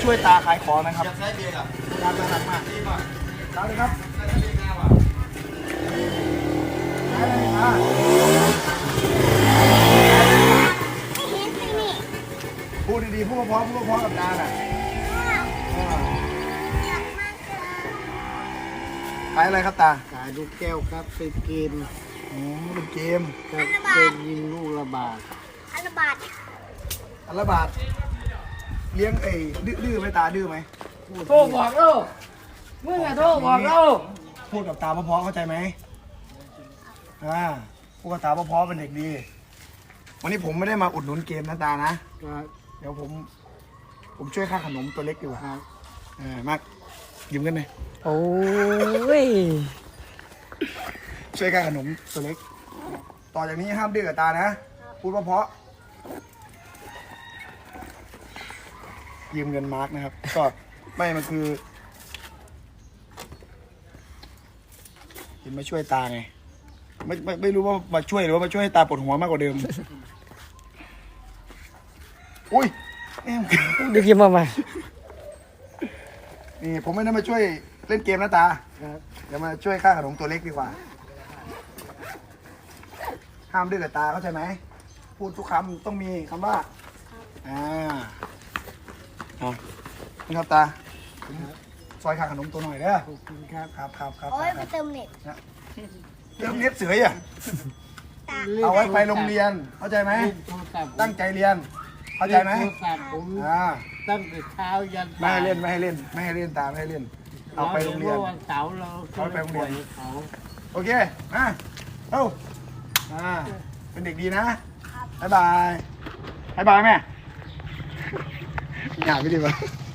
ช่วยตาขายของนะครับอยากใช้เบียร์อ่ะตาน่ารักมากดีป่ะตาเลยครับใช้เบียร์งามอ่ะได้เลยตาพูดดีๆพูดเพราะกับตาน่ะขายอะไรครับตาขายลูกแก้วครับเป็นเกมอ๋อเป็นเกมครับเป็นยิงลูกระบาดอันละบาทเลี้ยงดื้อไหมตาดื้อไหมโทรบอกเราเมื่อไงโทรบอกเราพูดกับตาเพราะๆเข้าใจไหมพูดกับตาเพราะๆเป็นเด็กดี วันนี้ผมไม่ได้มาอุดหนุนเกมนะตานะครับเดี๋ยวผมช่วยค่าขนมตัวเล็กดีกว่าครับมากยืมกันไหมโอ้ยช่วยค่าขนมตัวเล็ก ต่อจากนี้ห้ามดื้อกับตานะ พูดเพราะๆยืมเงินมาร์กนะครับ ก็ไม่มันคือเห็นมาช่วยตาไงไม่รู้ว่ามาช่วยหรือว่ามาช่วยให้ตาปวดหัวมากกว่าเดิม อุ้ยแม่งดูเกมมาใหม่นี่ผมไม่ได้มาช่วยเล่นเกมนะตาครับเดี๋ยวมาช่วยค่าขนมตัวเล็กดีกว่า ห้ามดื้อกับตาเข้าใจไหม พูดทุกคำต้องมีคำว่านี่ครับตาผมซอยค่าขนมตัวหน่อยเด้อขอบคุณครับครับโอ้ยไปเติมเน็ตเติมเน็ตเสืออ่ะเอาไว้ไปโรงเรียน เข้าใจไหมเล่นโทรศัพท์ตั้งใจเรียน เข้าใจไหมโทรศัพท์ผม ตั้งแต่เช้ายันไม่ให้เล่นไม่ให้เล่นไม่ให้เล่นตาไม่ให้เล่น เอาไปโรงเรียนวันเสาร์เราเอาไปโรงเรียนเขาโอเคเอ้าเป็นเด็กดีนะบ๊ายบายแม่อยากไม่ดีป่ะ